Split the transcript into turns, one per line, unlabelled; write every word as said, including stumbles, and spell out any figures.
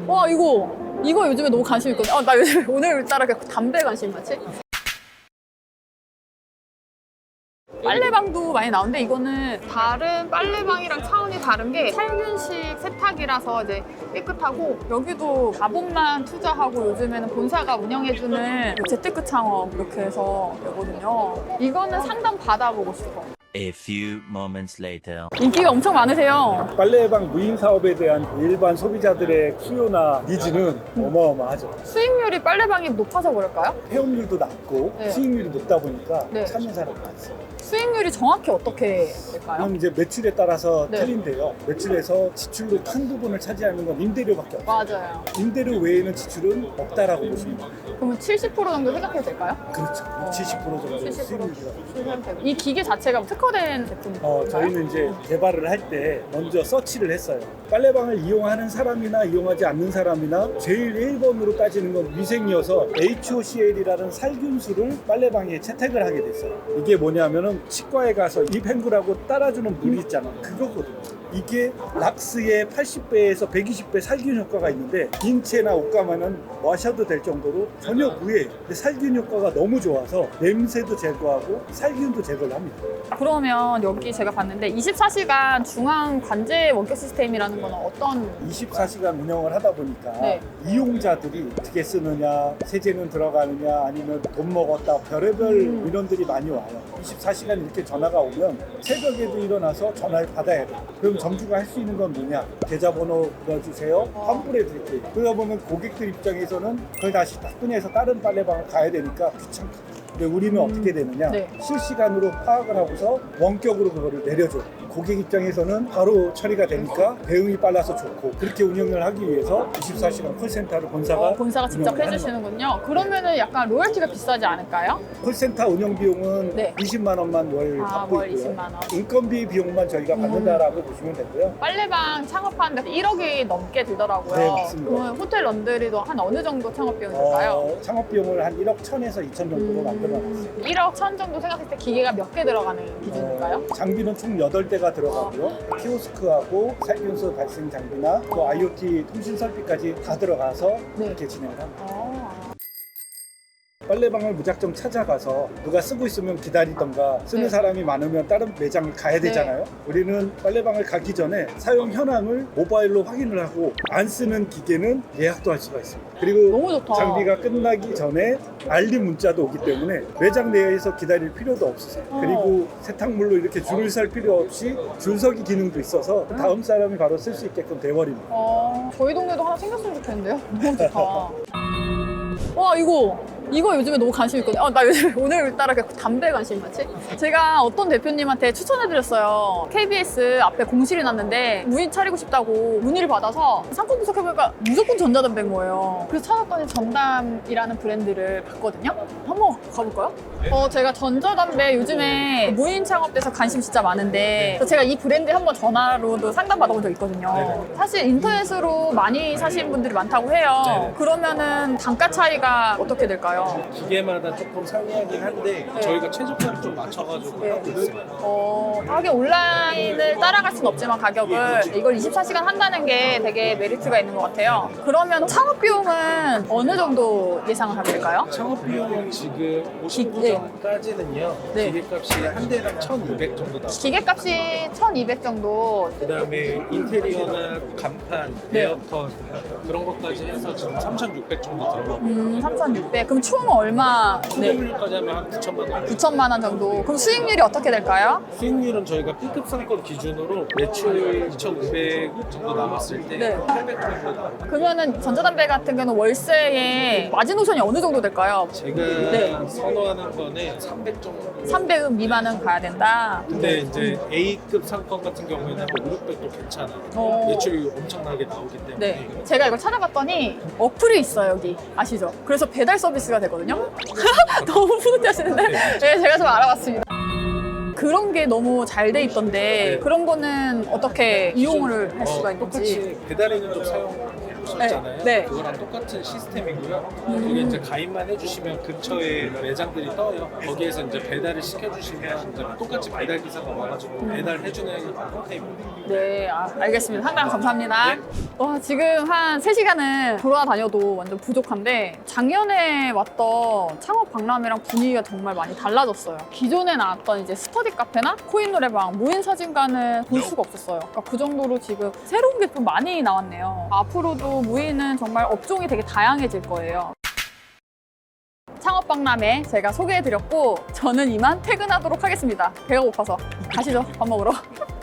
와, 이거 이거 요즘에 너무 관심 있거든. 아, 나 요즘 오늘따라 담배 관심 많지? 빨래방도 많이 나오는데 이거는 다른 빨래방이랑 차원이 다른 게 살균식 세탁이라서 이제 깨끗하고, 여기도 자본만 투자하고 요즘에는 본사가 운영해주는 재테크 창업 이렇게 해서 되거든요. 이거는 상담 받아보고 싶어.
A few moments later.
인기가 엄청 많으세요.
빨래방 무인 사업에 대한 일반 소비자들의 수요나 니즈는 어마어마하죠.
수익률이 빨래방이 높아서 그럴까요?
폐업률도 낮고
네.
수익률이 높다 보니까
네.
찾는 사람이 많습니다.
수익률이 정확히 어떻게 될까요?
그럼 이제 매출에 따라서
네.
틀린데요. 매출에서 지출로 큰 부분을 차지하는 건 임대료밖에 없어요.
맞아요.
임대료 외에는 지출은 없다라고 보시면 돼요.
그러면 칠십 퍼센트 정도 생각해도 될까요?
그렇죠. 칠십 퍼센트 정도
칠십 퍼센트.
수익률이라고.
이 기계 자체가 특허된 제품인가요?
어, 저희는 이제 개발을 할 때 먼저 서치를 했어요. 빨래방을 이용하는 사람이나 이용하지 않는 사람이나 제일 일 번으로 따지는 건 위생이어서 에이치오씨엘이라는 살균수를 빨래방에 채택을 하게 됐어요. 이게 뭐냐면은 치과에 가서 입행구라고 따라주는 물이 있잖아. 그거거든요. 이게 락스의 팔십 배에서 백이십 배 살균 효과가 있는데 인체나 옷감에는 마셔도 될 정도로 전혀 무해예요. 근데 살균 효과가 너무 좋아서 냄새도 제거하고 살균도 제거를 합니다.
그러면 여기 제가 봤는데 이십사 시간 중앙 관제 원격 시스템이라는 건 어떤?
이십사 시간 운영을 하다 보니까
네.
이용자들이 어떻게 쓰느냐, 세제는 들어가느냐, 아니면 돈 먹었다, 별의별
음.
민원들이 많이 와요. 이십사 시간 이렇게 전화가 오면 새벽에도 일어나서 전화를 받아야 돼요. 그럼 점주가 할 수 있는 건 뭐냐? 계좌번호 넣어주세요.
어.
환불해 드릴게요. 그러다 보면 고객들 입장에서는 그걸 다시 다 꺼내서 다른 빨래방을 가야 되니까 귀찮고. 근데 우리는
음.
어떻게 되느냐?
네.
실시간으로 파악을 하고서 원격으로 그거를 내려줘. 고객 입장에서는 바로 처리가 되니까 대응이 빨라서 좋고, 그렇게 운영을 하기 위해서 이십사 시간 콜센터를 본사가
어, 본사가 직접
운영을 하는
해주시는군요. 그러면은 약간 로열티가 비싸지 않을까요?
거예요. 콜센터 운영 비용은
네.
이십만 원만 월
아,
받고
월
있고요.
이십만 원.
인건비 비용만 저희가
음.
받는다라고 보시면 되고요.
빨래방 창업하는데 일억이 넘게 들더라고요.
네, 맞습니다.
그러면 호텔 런드리도 한 어느 정도 창업 비용이 들까요?
어, 창업 비용을 한 일억 천에서 이천 정도로
음.
만들어놨어요.
일억 천 정도 생각했을 때 기계가 몇 개 들어가는 기준인가요?
어, 장비는 총 여덟 대가 들어가고요. 키오스크하고 살균수 발생 장비나 또 아이오티 통신 설비까지 다 들어가서
네.
이렇게 진행을 합니다.
어.
빨래방을 무작정 찾아가서 누가 쓰고 있으면 기다리던가 쓰는
네.
사람이 많으면 다른 매장을 가야 되잖아요. 우리는 빨래방을 가기 전에 사용 현황을 모바일로 확인을 하고 안 쓰는 기계는 예약도 할 수가 있습니다. 그리고
너무 좋다.
장비가 끝나기 전에 알림 문자도 오기 때문에 매장 내에서 기다릴 필요도 없으세요.
어.
그리고 세탁물로 이렇게 줄을 설 필요 없이 줄서기 기능도 있어서 다음 사람이 바로 쓸 수 있게끔 돼버립니다.
어, 저희 동네도 하나 생겼으면 좋겠는데요? 너무 좋다. 와, 이거 이거 요즘에 너무 관심 있거든요. 아, 나 요즘 오늘따라 담배 관심 많지? 제가 어떤 대표님한테 추천해드렸어요. 케이비에스 앞에 공실이 났는데 무인 차리고 싶다고 문의를 받아서 상권 분석해보니까 무조건 전자담배인 거예요. 그래서 찾았더니 전담이라는 브랜드를 봤거든요. 한번 가볼까요? 어, 제가 전자담배 요즘에 무인 창업돼서 관심 진짜 많은데, 그래서 제가 이 브랜드에 한번 전화로도 상담 받아본 적 있거든요. 사실 인터넷으로 많이 사시는 분들이 많다고 해요.
네네.
그러면은 단가 차이가 어떻게 될까요?
기계마다 조금 상이하긴 한데
네.
저희가 최저가를 좀 맞춰가지고
네.
하고 있어요.
어, 하긴 온라인을 따라갈 수는 없지만 가격을 이걸 이십사 시간 한다는 게 되게 메리트가 있는 것 같아요. 그러면 창업 비용은 어느 정도 예상을 하면 될까요?
창업 비용은 지금 오십구
네.
전까지는요.
네.
기계값이 한 대당 천이백 정도 나와요.
기계값이 천이백 정도.
그다음에 인테리어나 간판,
네.
에어컨 그런 것까지 해서 지금 삼천육백 정도 들어가고
음, 삼천육백. 그럼 총 얼마? 네.
수익률까지 하면 한 구천만 원.
구천만 원 정도. 그럼 수익률이 어떻게 될까요?
수익률은 저희가 B급 상권 기준으로 매출 이천오백 정도 남았을 때
네.
팔백 정도 나와요.
그러면은 전자담배 같은 경우는 월세에 마지노선이 어느 정도 될까요?
제가
네.
선호하는 거는 삼백 정도.
삼백 미만은 가야 된다.
근데 이제 A급 상권 같은 경우에는 오육백도 괜찮아요.
어.
매출이 엄청나게 나오기 때문에.
네. 제가 이걸 찾아봤더니 어플이 있어요, 여기. 아시죠? 그래서 배달 서비스가 되거든요. 너무 뿌듯해하시는데? 네, 제가 좀 알아봤습니다. 그런 게 너무 잘 돼 있던데
네.
그런 거는 어떻게 이용을 할 수가
어,
있는지.
똑같이 배달에는 좀 사용해보셔도 있잖아요.
네.
그거랑 똑같은 시스템이고요. 거기 이제 가입만 해주시면 근처에 매장들이 떠요. 거기에서 이제 배달을 시켜주시면 이제 똑같이 배달 기사가 와가지고 배달해주는 형태입니다.
네, 아, 알겠습니다. 상담 감사합니다. 와, 지금 한 세 시간은 돌아다녀도 완전 부족한데 작년에 왔던 창업 박람회랑 분위기가 정말 많이 달라졌어요. 기존에 나왔던 이제 스터디 카페나 코인 노래방, 무인 사진관은 볼 수가 없었어요. 그러니까 그 정도로 지금 새로운 게 좀 많이 나왔네요. 앞으로도 무인은 정말 업종이 되게 다양해질 거예요. 창업 박람회 제가 소개해드렸고 저는 이만 퇴근하도록 하겠습니다. 배가 고파서 가시죠, 밥 먹으러.